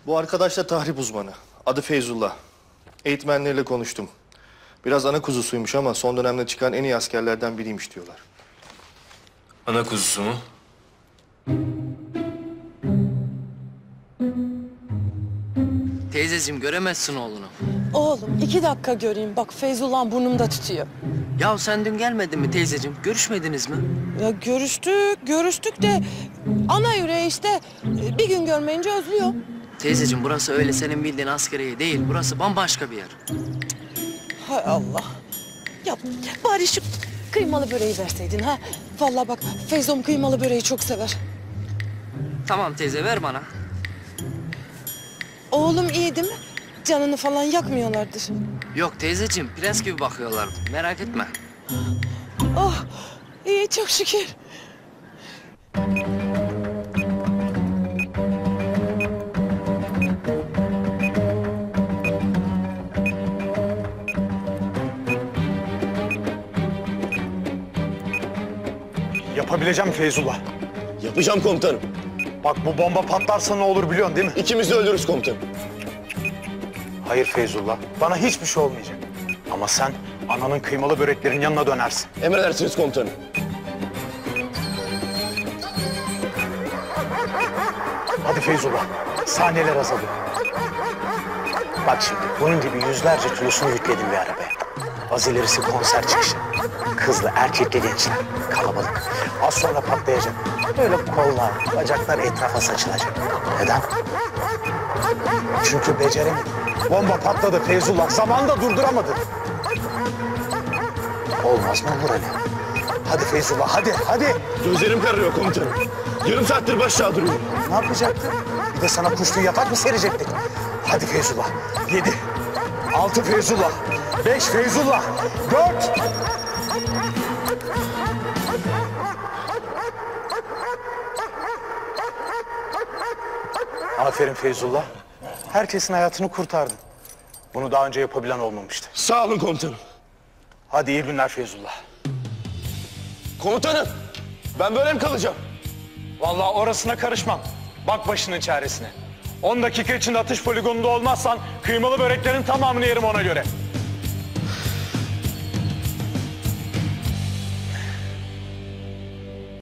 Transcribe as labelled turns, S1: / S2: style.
S1: Bu arkadaş da tahrip uzmanı. Adı Feyzullah. Eğitmenleriyle konuştum. Biraz ana kuzusuymuş ama son dönemde çıkan en iyi askerlerden biriymiş diyorlar.
S2: Ana kuzusu mu?
S3: Teyzeciğim göremezsin oğlunu.
S4: Oğlum 2 dakika göreyim. Bak Feyzullah burnumda tutuyor.
S3: Ya sen dün gelmedin mi teyzeciğim? Görüşmediniz mi?
S4: Ya görüştük de ana yüreği işte bir gün görmeyince özlüyor.
S3: Teyzeciğim burası öyle senin bildiğin askeriye değil. Burası bambaşka bir yer.
S4: Hay Allah. Ya bari şu kıymalı böreği verseydin ha. Vallahi bak Feyzom kıymalı böreği çok sever.
S3: Tamam teyze ver bana.
S4: Oğlum iyi değil mi? Canını falan yakmıyorlardır.
S3: Yok teyzeciğim prens gibi bakıyorlar. Merak etme.
S4: Oh iyi çok şükür.
S5: Yapabileceğim Feyzullah.
S1: Yapacağım komutanım.
S5: Bak bu bomba patlarsa ne olur biliyorsun değil mi?
S1: İkimiz de öldürürüz komutanım.
S5: Hayır Feyzullah. Bana hiçbir şey olmayacak. Ama sen ananın kıymalı böreklerin yanına dönersin.
S1: Emredersiniz komutanım.
S5: Hadi Feyzullah. Saniyeler azalıyor. Bak şimdi bunun gibi yüzlerce kilosunu yükledim bir arabaya. Az ilerisi konser çıkışı. Kızlı, erkekli gençler. Kalabalık. Az sonra patlayacak. Böyle kollar, bacaklar etrafa saçılacak. Neden? Çünkü beceremedim. Bomba patladı Feyzullah. Zamanında durduramadı. Olmaz mı olur öyle? Hadi Feyzullah, hadi.
S1: Gözlerim kararıyor komutanım. Yarım saattir baş aşağı duruyorum.
S5: Ne yapacaktın? Bir de sana kuşlu yatak mı serecektik? Hadi Feyzullah. 7, 6 Feyzullah, 5 Feyzullah, 4. Aferin Feyzullah. Herkesin hayatını kurtardın. Bunu daha önce yapabilen olmamıştı.
S1: Sağ olun komutanım.
S5: Hadi iyi günler Feyzullah.
S1: Komutanım, ben böyle mi kalacağım?
S5: Vallahi orasına karışmam. Bak başının çaresine. 10 dakika içinde atış poligonunda olmazsan kıymalı böreklerin tamamını yerim ona göre.